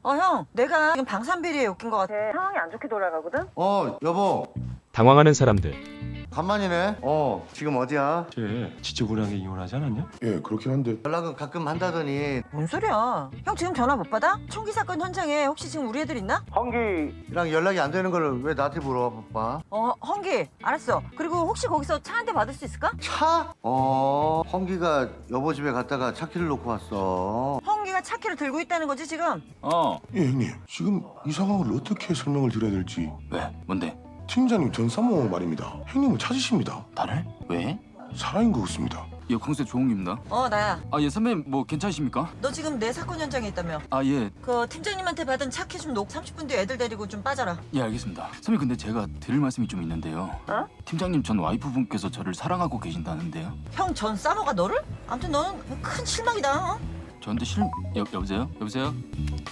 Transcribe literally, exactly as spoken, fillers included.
어, 형, 내가 지금 방산비리에 엮인 것 같아. 상황이 안 좋게 돌아가거든? 어, 여보. 당황하는 사람들. 간만이네. 어, 지금 어디야? 쟤 지저분하게 이혼하지 않았냐? 예, 그렇긴 한데. 연락은 가끔 한다더니. 뭔 소리야? 형 지금 전화 못 받아? 총기 사건 현장에 혹시 지금 우리 애들 있나? 헝기랑 연락이 안 되는 걸 왜 나한테 물어봐? 어, 헝기, 알았어. 그리고 혹시 거기서 차 한 대 받을 수 있을까? 차? 어, 헝기가 여보 집에 갔다가 차 키를 놓고 왔어. 헝기가 차 키를 들고 있다는 거지 지금? 어, 예, 형님. 지금 이 상황을 어떻게 설명을 드려야 될지. 왜? 뭔데? 팀장님 전사모 말입니다. 형님을 찾으십니다. 나를? 왜? 살아인 것 같습니다. 예, 강세 조홍입니다. 어, 나야. 아, 예, 선배님 뭐 괜찮으십니까? 너 지금 내 사건 현장에 있다며? 아, 예, 그 팀장님한테 받은 차 키 좀 놓고 삼십 분 뒤에 애들 데리고 좀 빠져라. 예, 알겠습니다. 선배님 근데 제가 드릴 말씀이 좀 있는데요. 어? 팀장님 전 와이프분께서 저를 사랑하고 계신다는데요. 형 전 싸모가 너를? 아무튼 너는 큰 실망이다. 어? 저한테 실... 여, 여보세요? 여보세요?